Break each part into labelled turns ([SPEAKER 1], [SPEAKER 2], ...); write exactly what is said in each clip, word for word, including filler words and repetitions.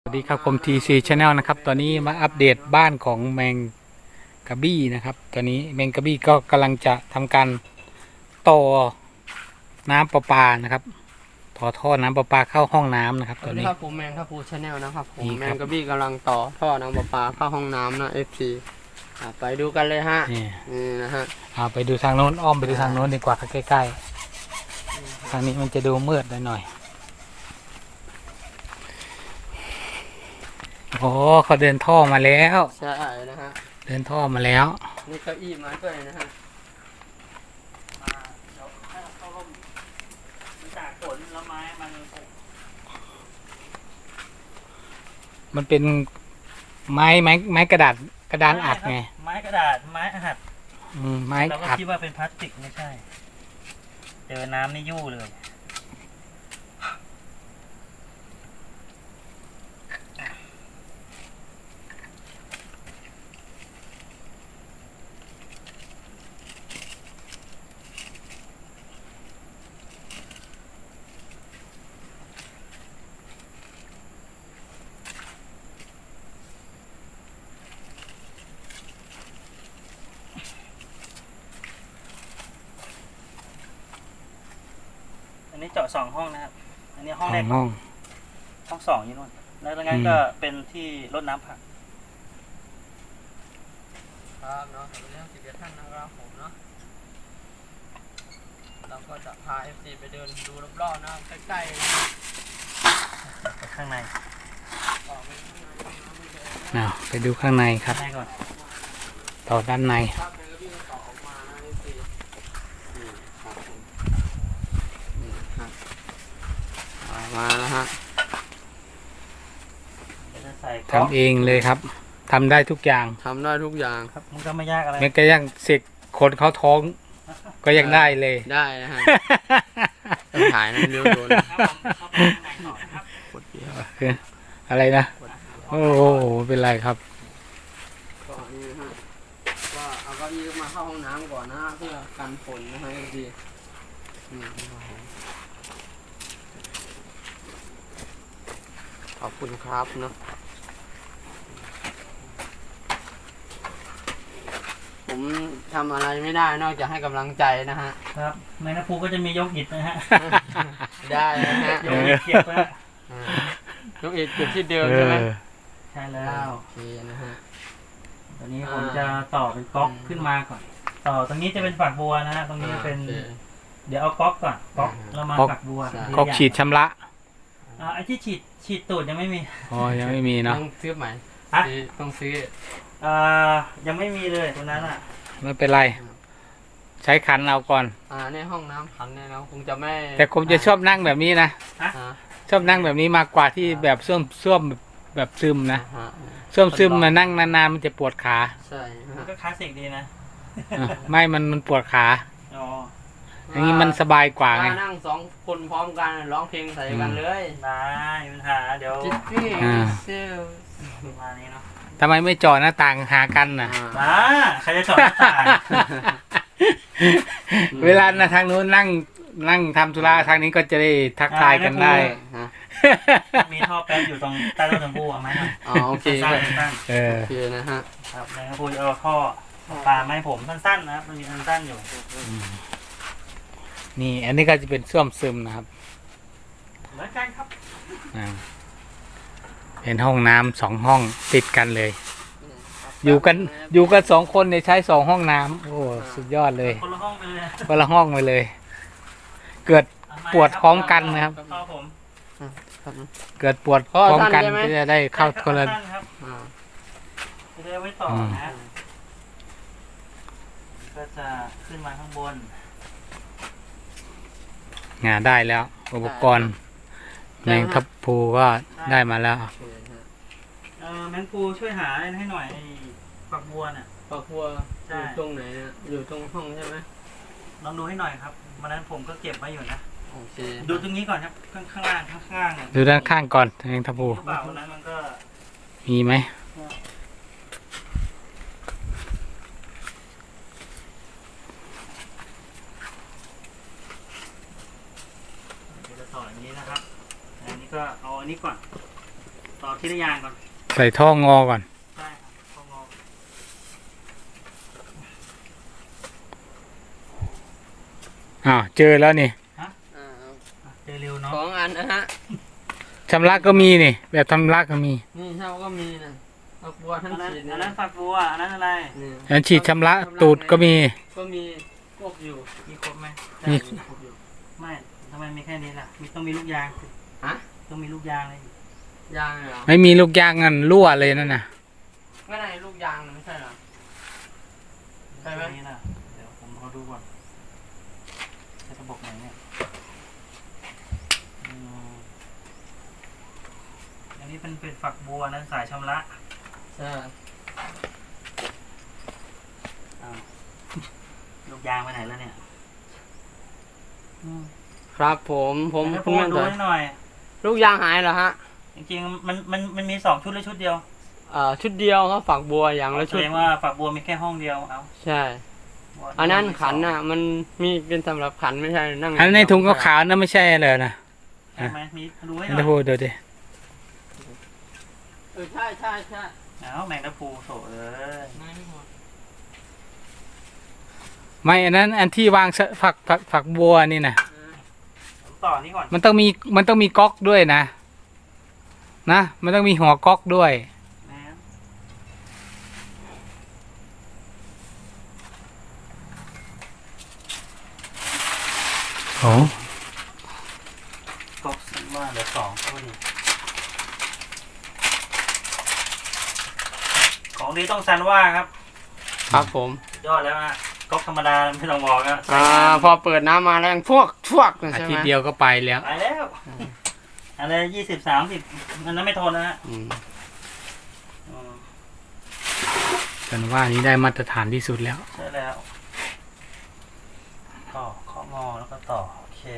[SPEAKER 1] สวัสดีครับผม ที ซี Channel นะครับตอนนี้มาอัปเดตบ้านของแมงกะบี้นะครับตอนนี้แมงกะบี้ก็กำลังจะทำการต่อน้ำประปานะครับต่อท่อน้ำประปาเข้าห้องน้ำนะครับตอนนี้
[SPEAKER 2] ครับผมแมงครับผมชาแนลนะครับผม
[SPEAKER 1] นี่
[SPEAKER 2] แม
[SPEAKER 1] ครับ
[SPEAKER 2] งกระบี้กำลังต่อท่อน้ำประปาเข้าห้องน้ำนะเอฟซีไปดูกันเลยฮะ
[SPEAKER 1] นี่
[SPEAKER 2] นี่นะฮะ
[SPEAKER 1] เอาไปดูทางโน้นอ้อมไปดูทางโน้นดีกว่าใกล้ๆทางนี้มันจะดูมืดหน่อยโอ้เขาเดินท่อมาแล้ว
[SPEAKER 2] ใช่นะฮะ
[SPEAKER 1] เดินท่อมาแล้ว
[SPEAKER 2] นี่เก้าอี้มาด้วยนะฮะ
[SPEAKER 3] จากฝนแล้วไม้มัน
[SPEAKER 1] มันเป็นไม้ไม้ไม้กระดาษกระดานอัดไง
[SPEAKER 3] ไม้กระดาษไม้อัด
[SPEAKER 1] อืมไม้
[SPEAKER 3] เราก็
[SPEAKER 1] อัด
[SPEAKER 3] คิดว่าเป็นพลาสติกไม่ใช่เจอน้ำนี่ยู่เลยอันนี้เจาะสองห้องนะครับอันนี้ห้อง
[SPEAKER 1] ส
[SPEAKER 3] แร
[SPEAKER 1] อก งห้อง
[SPEAKER 3] ห้องสองอยู่นู่นแล้วตรงนั้นก็เป็นที่รดน้ำผัก
[SPEAKER 2] ครับเนาะเป็นเรื่องสิบเอ็ดท่านนะครับผมเนาะเราก็จะพาเอฟซีไปเดินดูรอบๆนะใกล้ๆนะ
[SPEAKER 3] ไปข้างใน
[SPEAKER 2] ออกไปข้างในนะไม่เจอนะ
[SPEAKER 1] เอาไปดูข้างในครับ
[SPEAKER 3] ข้างในก่อน
[SPEAKER 1] ต่อด้านใน
[SPEAKER 2] ครับแมงกระบี้ก็ต่อออกมานะเอฟซีนี่ครับผมนี่ครับออกมาแล้วฮะ
[SPEAKER 3] เดี๋ยวจะใส่
[SPEAKER 1] ทำเองเลยครับทำได้ทุกอย่าง
[SPEAKER 2] ทำได้ทุกอย่าง
[SPEAKER 3] ครับมันก็ไม่ยากอะไร
[SPEAKER 1] แม้กระทั่งเสกคนเขาท้อง ก็ยังได้เลย
[SPEAKER 2] ได้นะฮะ ต้องถ่ายนะเร็วโดน
[SPEAKER 3] ครับผมเข้าไปข้างในต่อนะครับ
[SPEAKER 2] กดเดียว
[SPEAKER 1] อะไรนะ โอ้โหเป็นไรครับ
[SPEAKER 2] ก็นี่นะฮะก็เอาเก้าอี้มาเข้าห้องน้ำก่อนนะฮะเพื่อกันฝนนะฮะดีนี่ครับผมขอบคุณครับเนาะผมทำอะไรไม่ได้นอกจากให้กำลังใจนะฮะ
[SPEAKER 3] ครับในน้ำพุก็จะมียกหินนะฮะ
[SPEAKER 2] ได้นะฮะ
[SPEAKER 3] ยกหินเกี่ยวนะฮะ
[SPEAKER 2] อ่ายกเอ็ดเก็บที่เดิม
[SPEAKER 1] เอ
[SPEAKER 2] ใช่ไหม
[SPEAKER 1] อ
[SPEAKER 3] ใช่แล้ว
[SPEAKER 2] โอเคนะฮะ
[SPEAKER 3] ตอนนี้ผมจะต่อเป็นก๊อกขึ้นมาก่อน ต่อตรงนี้จะเป็นฝักบัวนะฮะ ตรงนี้เป็น
[SPEAKER 2] โอค
[SPEAKER 3] เดี๋ยวเอาก๊อกก่อน ก๊อกแล้วมาฝักบัว
[SPEAKER 2] ใช่
[SPEAKER 1] ก๊อกฉีดชำระ
[SPEAKER 3] อ่าไอ้ที่ฉีดฉีดตูดยังไม่มี
[SPEAKER 1] อ๋อยังไม่มีเนาะ
[SPEAKER 2] ต้องซื้อใหม่
[SPEAKER 3] ฮะ
[SPEAKER 2] ซื้อต้องซื้อ
[SPEAKER 3] อ่ายังไม่มีเลยตรงนั้นอ่ะ
[SPEAKER 1] ไม่เป็นไร ใช้ขันเอาก่อน
[SPEAKER 2] อ่าในห้องน้ำพันเนี่ยเราคงจะไม่
[SPEAKER 1] แต่ผมจะชอบนั่งแบบนี้นะ
[SPEAKER 2] อ่า
[SPEAKER 1] ชอบนั่งแบบนี้มากกว่าที่แบบส้วมส้วมแบบซึมนะ
[SPEAKER 2] ฮะ
[SPEAKER 1] ส้วมซึมมานั่งนานๆมันจะปวดขา
[SPEAKER 2] ใช่
[SPEAKER 3] มัน
[SPEAKER 2] ฮะ
[SPEAKER 3] ก็คลาสสิกดีนะ
[SPEAKER 1] อ่ะไม่มันมันปวดขา
[SPEAKER 3] อ๋อ
[SPEAKER 1] อย่างนี้มันสบายกว่าไง
[SPEAKER 2] ถ้นั่งสองคนพร้อมกันร้องเพลงใส่กันเลย
[SPEAKER 3] ได้ไม่มีปัญหาเดี๋ยว
[SPEAKER 2] จิตตี้
[SPEAKER 1] อ่า
[SPEAKER 2] เซล
[SPEAKER 3] ประมาณนี้เนาะ
[SPEAKER 1] ทำไมไม่เจาะหน้าต่างหากันน่ะ
[SPEAKER 3] อ่าใครจะจอดหน้าต่าง
[SPEAKER 1] เวลานะทางนู้นนั่งนั่งทำธุระทางนี้ก็จะได้ทักทายกันได้
[SPEAKER 2] ฮะ
[SPEAKER 3] มีท่อแป๊บอยู่ตรงใต้ต้นชมพู่เอาไหมครับ
[SPEAKER 2] อ๋อโอเค
[SPEAKER 3] สั้
[SPEAKER 2] เล
[SPEAKER 3] น
[SPEAKER 2] ย
[SPEAKER 3] ๆสั้น
[SPEAKER 1] เออ
[SPEAKER 2] โอเคนะฮะ
[SPEAKER 3] ๆครับแล้วพูดเอาท่อปลาไม้ผมสั้นๆนะครับมันมีสั้นๆอยู่
[SPEAKER 1] นี่อันนี้ก็จะเป็นส้วมซึมนะครับ
[SPEAKER 3] เหมือนกันครับ
[SPEAKER 1] อ่าเป็นห้องน้ำสองห้องติดกันเลย อยู่กันอยู่กันสองคนเนี่ยใช้สองห้องน้ำโอ้สุดยอดเลย
[SPEAKER 3] คนละห้องไปเลย
[SPEAKER 1] คนละห้องไปเลย เกิด ปวดพร้อมกันนะครับ
[SPEAKER 3] ท่อผม
[SPEAKER 2] ครับ
[SPEAKER 1] เกิดปวดพร้อมกันก็จะได้เข้าคนละ
[SPEAKER 3] สั้นๆครับ
[SPEAKER 2] อ่า
[SPEAKER 3] จะได้ไว้ต่ออ
[SPEAKER 1] ม
[SPEAKER 3] นะก็จะขึ้นมาข้างบน
[SPEAKER 1] งานได้แล้ว อุปกรณ์แมงทับพลูก็ได้มาแล้ว
[SPEAKER 2] โอเคฮะ
[SPEAKER 3] เออแมงปูช่วยหาให้หน่อยไอ้ฝักบัวน่ะ
[SPEAKER 2] ครอบครัว
[SPEAKER 3] ใช่
[SPEAKER 2] อยู่ตรงไหนฮะอยู่ตรงห้องใช่ไหม
[SPEAKER 3] ลองดูให้หน่อยครับวันนั้นผมก็เก็บไว้อยู่นะ
[SPEAKER 2] โอเค
[SPEAKER 3] ดูตรงนี้ก่อนครับ ข้างข้างล่างข้างข้างเนี่ย
[SPEAKER 1] ดูด้านข้างก่อนแมงทับพลู
[SPEAKER 3] หรือเปล่าวันนั้นมันก็
[SPEAKER 1] มีไหม
[SPEAKER 3] เดี๋ยวจะต่ออย่างนี้นะครับ อันนี้ก็เอาอันนี้ก่อน ต่ออที่ระยางก่อน
[SPEAKER 1] ใส่ท่องอก่อน
[SPEAKER 3] ใช่ครับต้องงอ
[SPEAKER 1] อ้าวเจอแล้วนี่
[SPEAKER 2] อ่า
[SPEAKER 3] เจอเร็วเนาะ
[SPEAKER 2] สองอันนะฮะ
[SPEAKER 1] ชำระก็มีนี่ แบบชำระก็มี
[SPEAKER 2] นี่เท่าก็มีนะดอกบัวทั้ง
[SPEAKER 3] อันนั้น
[SPEAKER 2] ฉีด
[SPEAKER 3] อั
[SPEAKER 2] นะ
[SPEAKER 3] นนั้นฝักบัวอันนั้นอะไร
[SPEAKER 2] นี่
[SPEAKER 1] อันฉีดชำระตูดก็มี
[SPEAKER 2] ก็มี
[SPEAKER 3] พวกอยู่มีครบไหม
[SPEAKER 1] มี
[SPEAKER 3] ได้ครบอยู่ไม่ทำไมมีแค่นี้ล่ะมีต้องมีลูกยางสิ
[SPEAKER 2] ฮะ
[SPEAKER 3] ต้องมีลูกยางเลย
[SPEAKER 2] ยางเหรอ
[SPEAKER 1] ไม่มีลูกยางงันรั่วเลยนั่นน่ะ
[SPEAKER 2] ไม่ได้ลูกยางนะไม่ใช่เหรอ ใช่ไหม
[SPEAKER 3] แค่นี้นะเดี๋ยวผมขอดูก่อนใช้ระบบไหนเนี่ยอืมอันนี้เป็นเป็นฝักบัวนั้นสายชำระ
[SPEAKER 2] ใช่
[SPEAKER 3] อ้าวลูกยางไปไหนแล้วเนี่ยอืม
[SPEAKER 2] ครับผมผม
[SPEAKER 3] ให้
[SPEAKER 2] คุ
[SPEAKER 3] พู
[SPEAKER 2] ณ
[SPEAKER 3] ด
[SPEAKER 2] แม่
[SPEAKER 3] ดู
[SPEAKER 2] ต่อย
[SPEAKER 3] ให้หน่อย
[SPEAKER 2] ลูกยางหายเหรอฮะ
[SPEAKER 3] จริงๆมันมันมันมีสองชุดหรือชุดเดียว
[SPEAKER 2] เอ่อชุดเดียวครับฝักบัวอย่างละ
[SPEAKER 3] แส
[SPEAKER 2] ชุด
[SPEAKER 3] ดงว่าฝักบัวมีแค่ห้องเดียวเอา
[SPEAKER 2] ใช่ อันนั้นขันน่ะ มันมีเป็นสำหรับขันไม่ใช่นั่ง
[SPEAKER 1] อันในถุงขาวๆนั่นไม่ใช่เลยนะ
[SPEAKER 3] ใช่ไหมมีดูให้ห
[SPEAKER 1] อัน
[SPEAKER 3] น่
[SPEAKER 1] นี้
[SPEAKER 3] อย
[SPEAKER 1] พูดดูดิ
[SPEAKER 2] เออใช่ใช่ใช่
[SPEAKER 3] เอาแมงดาพูโถเอ้ย
[SPEAKER 1] ไม่อันนั้นอันที่วางสฝักฝักฝักบัวนี่นะ
[SPEAKER 3] ผมต่อนี่ก่อน
[SPEAKER 1] มันต้องมีมันต้องมีก๊อกด้วยนะ นะ มันต้องมีหัวก๊อกด้วย
[SPEAKER 3] นะ
[SPEAKER 1] โอ้
[SPEAKER 3] ก็สันว่าเหลือสองก็ดีของดีต้องซันว่าครับ
[SPEAKER 2] ครับผม
[SPEAKER 3] ยอดแล้วนะก๊อกธรรมดาไม่ต้องบอกนะ
[SPEAKER 2] อ่าพอเปิดน้ำมาแรงพวกพวกเลย
[SPEAKER 1] อา
[SPEAKER 2] ใช่
[SPEAKER 1] ทิต
[SPEAKER 2] ไหม
[SPEAKER 1] ย์เดียวก็ไปแล้ว
[SPEAKER 3] ไปแล้วอะไรยี่สิบสามสิบอันนั้นไม่ทนนะฮะ
[SPEAKER 2] อืม
[SPEAKER 3] อืม
[SPEAKER 1] ฉันว่านี้ได้มาตรฐานที่สุดแล้ว
[SPEAKER 3] ใช่แล้วต่อข้องอแล้วก็ต่อโอเค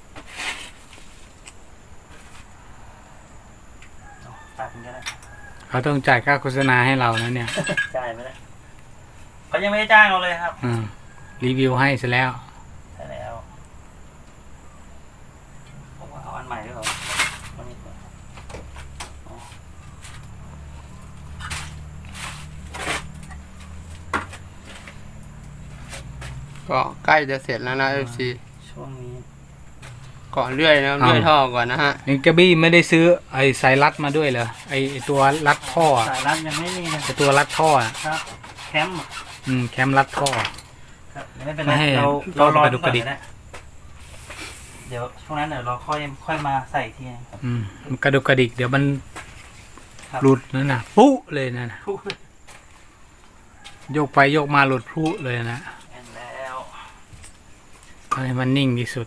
[SPEAKER 3] เอาตัดมันก็ได้
[SPEAKER 1] เขาต้องจ่ายค่าโฆษณาให้เรานะเนี่ย
[SPEAKER 3] จ่ายไปแล้วเขายังไม่ได้จ้างเราเลยครับ
[SPEAKER 1] อืมรีวิวให้ซะแล้ว
[SPEAKER 3] ใช่แล้วผมว่าเอาอันใหม่ด้วยเหรอวันนี้ก่อนอ๋อ
[SPEAKER 2] ก็ใกล้จะเสร็จแล้วนะเอฟซี
[SPEAKER 3] ช่วงนี้
[SPEAKER 2] ก่อนเลื่อยนะเลื่อยท่อก่อนนะฮะ
[SPEAKER 1] นี่กระบี้ไม่ได้ซื้อไอ้สายรัดมาด้วยเหรอไอ้ไอ้ตัวรัดท่ออะ
[SPEAKER 3] สายรัดยังไม่มีนะ
[SPEAKER 1] ไอ้ตัวรัดท่ออะ
[SPEAKER 3] ครับ แคมป์
[SPEAKER 1] อืมแคมรัดท่อ
[SPEAKER 3] ครับเดี๋ยวไม่เป็นไร
[SPEAKER 1] ไม่ให้
[SPEAKER 3] เรา
[SPEAKER 1] เรา
[SPEAKER 3] เรารอ
[SPEAKER 1] ไปดูกระดิก
[SPEAKER 3] ก่อนนะเดี๋ยวช่วงนั้นเดี๋ยวเราค่อยค่อยมาใส่อีกทีนึงครับ
[SPEAKER 1] อืมมันกระดุกกระดิกเดี๋ยวมัน
[SPEAKER 3] ครับ
[SPEAKER 1] หลุดนั่นน่ะปุ๊เลยนั่นน่ะ
[SPEAKER 3] พูด
[SPEAKER 1] โยกไปโยกมาหลุดปุ๊เลยนะ
[SPEAKER 3] แอนแล้ว
[SPEAKER 1] เอาให้มันนิ่งที่สุด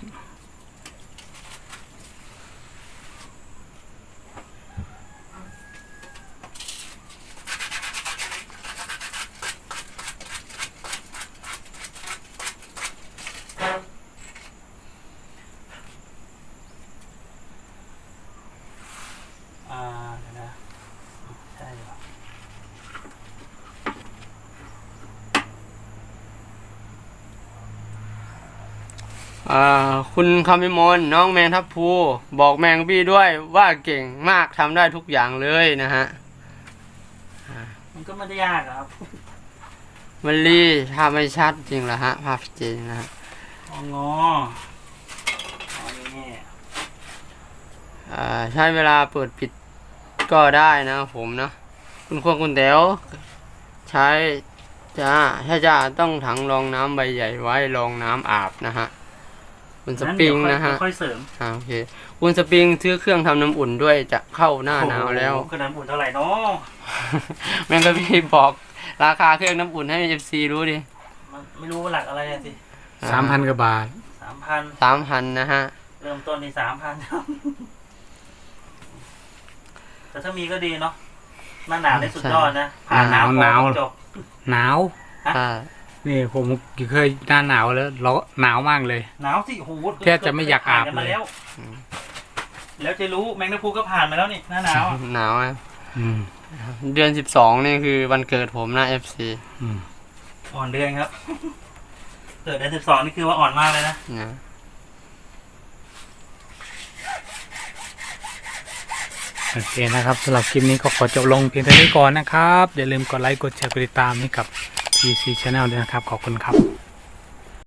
[SPEAKER 3] อ่าเดี๋ยวนะใช่เหรอ
[SPEAKER 2] อ่าคุณคำพิมลน้องแมงทับพลูบอกแมงบี้ด้วยว่าเก่งมากทำได้ทุกอย่างเลยนะฮะ
[SPEAKER 3] มันก็ไม่ได้ยากอะครับ
[SPEAKER 2] มันรีภาพไม่ชัดจริงเหรอฮะภาพจริงนะฮะ
[SPEAKER 3] อ๋องออ๋อนี่
[SPEAKER 2] อ่าใช้เวลาเปิดปิดก็ได้นะผมนะคุณควรคุณแต๋วใช้จ้าถ้าจะต้องถังรองน้ำใบใหญ่ไว้รองน้ำอาบนะฮะคุณสปริงนะฮะ
[SPEAKER 3] เดี๋ยวค่อยเสริม
[SPEAKER 2] อ่าโอเคคุณสปริงซื้อเครื่องทำน้ำอุ่นด้วยจะเข้าหน้าหนาวแล้ว
[SPEAKER 3] โอ้โหกระดานอุ่นเท่าไหร่เนาะ
[SPEAKER 2] แม่งก็พี่บอกราคาเครื่องน้ำอุ่นให้เอฟซีรู้ดิ
[SPEAKER 3] มันไม่รู้ว่าหลักอะไรอะสิ
[SPEAKER 1] สามพันกว่าบาท
[SPEAKER 3] สามพัน
[SPEAKER 2] สามพันนะฮะ
[SPEAKER 3] เริ่มต้นในสามพันแต่ถ้ามีก็ดีเนาะหน้าหนาวได้สุดยอดนะผ่านหนาว
[SPEAKER 1] หนาว
[SPEAKER 3] พอจบ
[SPEAKER 1] หนาว
[SPEAKER 2] อ่า
[SPEAKER 1] นี่ผมเคยหน้าหนาวแล้วร้อนหนาวมากเลย
[SPEAKER 3] หนาวสิโอ้โห
[SPEAKER 1] แทบจะไม่อยากอาบเลย
[SPEAKER 3] ผ่นนมแล้วแล้วจะรู้แมงดาพูก็ผ่านมาแล้วนี่หน้าหนาวอะ
[SPEAKER 2] หนาวอะ
[SPEAKER 1] อืม
[SPEAKER 2] เดือนสิบสองนี่คือวันเกิดผมนะเอฟซี
[SPEAKER 1] อืม
[SPEAKER 3] อ่อนเดือนครับเกิดเดือนสิบสองนี่คือว่าอ่อนมากเลยนะ
[SPEAKER 2] นะ
[SPEAKER 1] โอเคนะครับสำหรับคลิปนี้ก็ขอจบลงเพียงเท่านี้ก่อนนะครับ อย่าลืมกดไลค์กดแชร์กดติดตามให้กับ ที ซี Channel ด้วยนะครับ ขอบคุณครับ